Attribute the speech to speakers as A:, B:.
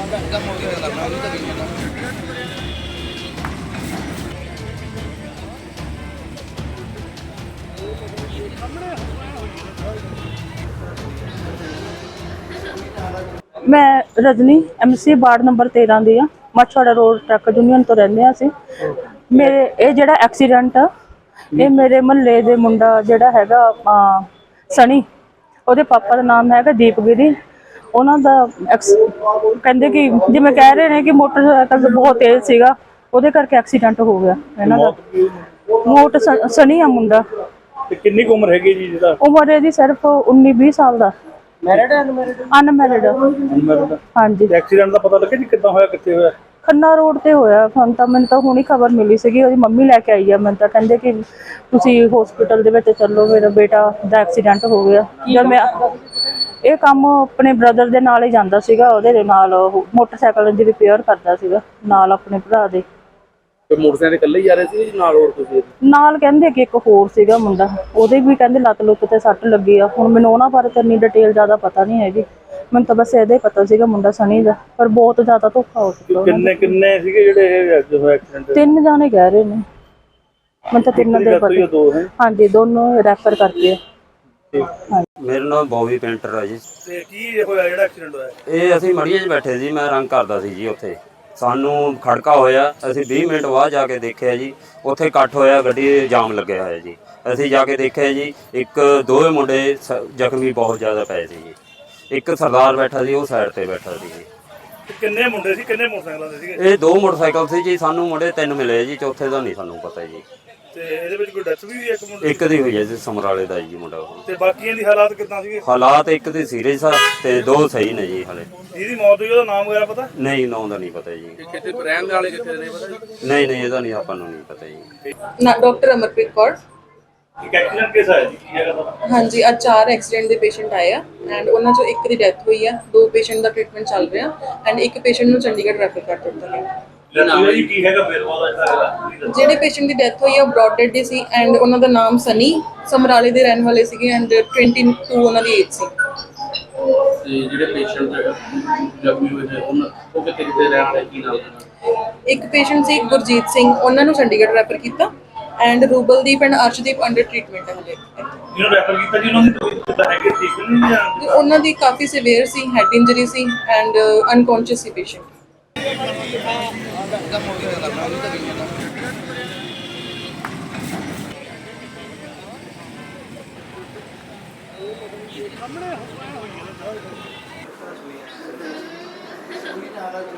A: मैं Rajni MC ward number 13 दी आ मछवाड़ा रोड ट्रक यूनियन तो रहंदे आ असीं। मेरे ये जिहड़ा एक्सीडेंट आ ये मेरे महल्ले दे मुंडा जिहड़ा हैगा सनी ਉਹਦੇ पापा ਦਾ नाम हैगा दीपगिरी। ਉਹਨਾਂ ਦਾ ਕਹਿੰਦੇ ਕਿ ਜਿਵੇਂ ਕਹਿ ਰਹੇ ਨੇ ਕਿ ਮੋਟਰਸਾਈਕਲ ਬਹੁਤ ਤੇਜ਼ ਸੀਗਾ ਉਹਦੇ ਕਰਕੇ ਐਕਸੀਡੈਂਟ ਹੋ ਗਿਆ ਇਹਨਾਂ ਦਾ। ਮੋਟ ਸਨੀ ਆ ਮੁੰਡਾ।
B: ਤੇ ਕਿੰਨੀ ਕੁ ਉਮਰ ਹੈਗੀ ਜੀ ਜਿਹਦਾ?
A: ਉਮਰ ਇਹਦੀ ਸਿਰਫ 19-20 ਸਾਲ ਦਾ।
B: ਮੈਰਿਡ ਹੈ
A: ਅਨਮੈਰਿਡ। ਹਾਂਜੀ।
B: ਐਕਸੀਡੈਂਟ ਦਾ ਪਤਾ ਲੱਗਿਆ ਜੀ ਕਿੱਦਾਂ ਹੋਇਆ, ਕਿੱਥੇ ਹੋਇਆ? ਖੰਨਾ
A: ਰੋਡ ਤੇ ਹੋਇਆ। ਮੈਨੂੰ ਤਾਂ ਹੁਣੀ ਖਬਰ ਮਿਲੀ ਸੀਗੀ, ਉਹਦੀ ਮੰਮੀ ਲੈ ਕੇ ਆਈ ਆ। ਮੈਨੂੰ ਤਾਂ ਕਹਿੰਦੇ ਕਿ ਤੁਸੀਂ ਹਸਪੀਟਲ ਦੇ ਵਿੱਚ ਚੱਲੋ, ਮੇਰਾ ਬੇਟਾ ਦਾ ਐਕਸੀਡੈਂਟ ਹੋ ਗਿਆ। ਜਦ ਮੈਂ ਇਹ ਕੰਮ ਆਪਣੇ ਬ੍ਰਦਰ ਦੇ ਨਾਲ ਹੀ ਜਾਂਦਾ ਸੀਗਾ, ਉਹਦੇ ਨਾਲ ਮੋਟਰਸਾਈਕਲ ਦੀ ਰਿਪੇਅਰ ਕਰਦਾ ਸੀਗਾ ਨਾਲ ਆਪਣੇ ਭਰਾ ਦੇ।
B: ਤੇ ਮੋਟਰਸਾਈਕਲ ਇਕੱਲੇ ਹੀ ਜਾ ਰਹੇ ਸੀ ਨਾਲ ਹੋਰ ਤੁਸੀਂ?
A: ਨਾਲ ਕਹਿੰਦੇ ਕਿ ਇੱਕ ਹੋਰ ਸੀਗਾ ਮੁੰਡਾ, ਉਹਦੇ ਵੀ ਕਹਿੰਦੇ ਲੱਤ ਲੁੱਤ ਤੇ ਸੱਟ ਲੱਗੀ ਆ। ਹੁਣ ਮੈਨੂੰ ਉਹਨਾਂ ਬਾਰੇ ਤਾਂ ਇੰਨੀ ਡਿਟੇਲ ਜ਼ਿਆਦਾ ਪਤਾ ਨਹੀਂ ਹੈਗੀ, ਮੈਨੂੰ ਤਾਂ ਬਸ ਇਹਦਾ ਹੀ ਪਤਾ ਸੀਗਾ ਮੁੰਡਾ ਸਨੀ ਦਾ। ਪਰ ਬਹੁਤ ਜ਼ਿਆਦਾ ਧੋਖਾ ਹੋ ਚੁੱਕਾ।
B: ਕਿੰਨੇ ਸੀਗੇ ਜਿਹੜੇ ਐਕਸੀਡੈਂਟ?
A: 3 ਜਾਣੇ ਕਹਿ ਰਹੇ ਨੇ, ਮੈਨੂੰ ਤਾਂ 3 ਦੇ ਪਤਾ। ਹਾਂਜੀ, ਦੋਨੋਂ ਰੈਫਰ ਕਰਕੇ।
C: मेरा नाम बॉबी पेंटर है जी।
B: ਤੇ ਕੀ ਹੋਇਆ ਜਿਹੜਾ ਐਕਸੀਡੈਂਟ ਹੋਇਆ?
C: ਇਹ ਅਸੀਂ ਮੜੀਏ 'ਚ ਬੈਠੇ ਸੀ, ਮੈਂ ਰੰਗ ਕਰਦਾ ਸੀ ਜੀ। ਉੱਥੇ ਸਾਨੂੰ ਖੜਕਾ ਹੋਇਆ, ਅਸੀਂ 20 ਮਿੰਟ ਬਾਅਦ ਜਾ ਕੇ ਦੇਖਿਆ ਜੀ ਉੱਥੇ ਇਕੱਠ ਹੋਇਆ, ਗੱਡੀ ਜਾਮ ਲੱਗਿਆ ਹੋਇਆ ਜੀ। ਅਸੀਂ ਜਾ ਕੇ ਦੇਖਿਆ ਜੀ ਦੋਵੇਂ ਮੁੰਡੇ ਜ਼ਖਮੀ ਬਹੁਤ ਜ਼ਿਆਦਾ ਪਏ ਸੀ ਜੀ। ਇੱਕ ਸਰਦਾਰ ਬੈਠਾ ਸੀ, ਉਹ ਸਾਈਡ ਤੇ ਬੈਠਾ ਸੀ ਜੀ।
B: ਕਿੰਨੇ ਮੁੰਡੇ ਸੀ, ਕਿੰਨੇ ਮੋਟਰਸਾਈਕਲਾਂ ਦੇ ਸੀਗੇ?
C: ਇਹ 2 ਮੋਟਰਸਾਈਕਲ ਸੀ ਜੀ। ਸਾਨੂੰ ਮੁੰਡੇ 3 ਮਿਲੇ ਜੀ, ਚੌਥੇ ਦਾ ਨਹੀਂ ਸਾਨੂੰ ਪਤਾ ਜੀ।
B: ਤੇ ਇਹਦੇ ਵਿੱਚ ਕੋਈ ਡੈਥ ਵੀ ਹੋਈ? ਇੱਕ ਮੁੰਡੇ
C: ਇੱਕ ਦੀ ਹੋਈ ਹੈ ਜੀ, ਸਮਰਾਲੇ ਦਾ ਜੀ ਮੁੰਡਾ ਉਹ।
B: ਤੇ ਬਾਕੀਆਂ ਦੀ ਹਾਲਾਤ ਕਿੱਦਾਂ ਸੀਗੇ?
C: ਹਾਲਾਤ ਇੱਕ ਦੀ ਸੀਰੀਅਸ ਆ ਤੇ 2 ਸਹੀ ਨੇ ਜੀ ਹਲੇ।
B: ਜਿਹਦੀ ਮੌਤ ਹੋਈ ਉਹਦਾ ਨਾਮ ਵਗੈਰਾ ਪਤਾ?
C: ਨਹੀਂ, ਨਾਂ ਦਾ ਨਹੀਂ ਪਤਾ ਜੀ।
B: ਕਿੱਥੇ ਰਹਿਣ ਵਾਲੇ ਕਿੱਥੇ ਦੇ ਪਤਾ?
C: ਨਹੀਂ, ਇਹਦਾ ਨਹੀਂ, ਆਪਾਂ ਨੂੰ ਨਹੀਂ ਪਤਾ ਜੀ।
D: ਡਾਕਟਰ ਅਮਰਪ੍ਰੀਤ ਕੌਰ।
B: ਇੱਕ ਐਕਸੀਡੈਂਟ ਕੇਸ ਆਇਆ ਜੀ, ਕੀ ਹੈਗਾ ਪਤਾ?
D: ਹਾਂਜੀ, ਅੱਜ 4 ਐਕਸੀਡੈਂਟ ਦੇ ਪੇਸ਼ੈਂਟ ਆਏ ਆ ਐਂਡ ਉਹਨਾਂ ਚੋਂ ਇੱਕ ਦੀ ਡੈਥ ਹੋਈ ਆ। 2 ਪੇਸ਼ੈਂਟ ਦਾ ਟ੍ਰੀਟਮੈਂਟ ਚੱਲ ਰਿਹਾ ਐਂਡ ਇੱਕ ਪੇਸ਼ੈਂਟ ਨੂੰ ਚੰਡੀਗੜ੍ਹ ਰੈਫਰ ਕਰ ਦਿੱਤਾ ਗਿਆ।
B: ਕੀ ਹੈਗਾ ਫਿਰ ਉਹਦਾ?
D: ਜਿਹੜੇ ਪੇਸ਼ੈਂਟ ਦੀ ਡੈਥ ਹੋਈ ਆ ਉਹ ਬ੍ਰੌਡ ਡੈਡ ਦੀ ਸੀ ਐਂਡ ਉਹਨਾਂ ਦਾ ਨਾਮ ਸਨੀ, ਸਮਰਾਲੇ ਦੇ ਰਹਿਣ ਵਾਲੇ ਸੀਗੇ ਐਂਡ 22 ਉਹਨਾਂ ਦੀ ਏਜ ਸੀ।
E: ਤੇ ਜਿਹੜੇ ਪੇਸ਼ੈਂਟ ਜ਼ਖਮੀ ਹੋਏ ਨੇ ਉਹ ਕਿੱਥੇ ਰਹਿਣ ਵਾਲੇ, ਕੀ ਨਾਮ?
D: ਇੱਕ ਪੇਸ਼ੈਂਟ ਸੀ ਗੁਰਜੀਤ ਸਿੰਘ, ਉਹਨਾਂ ਨੂੰ ਚੰਡੀਗੜ੍ਹ ਰੈਫਰ ਕੀਤਾ and Rubaldeep and Arshdeep under treatment ਹੈ ਹਲੇ।
B: ਜਿਹਨੂੰ ਰੈਫਰ ਕੀਤਾ ਜੀ ਉਹਨਾਂ ਦੀ ਕਿੱਦਾਂ ਹੈਗੇ, ਠੀਕ ਨਹੀਂ ਜਾਂ?
D: ਉਹਨਾਂ ਦੀ ਕਾਫੀ ਸੀਵੀਅਰ ਸੀ, ਹੈਡ ਇੰਜਰੀ ਸੀ ਐਂਡ ਅਨਕੌਂਸ਼ੀਅਸ ਸੀ ਪੇਸ਼ੈਂਟ।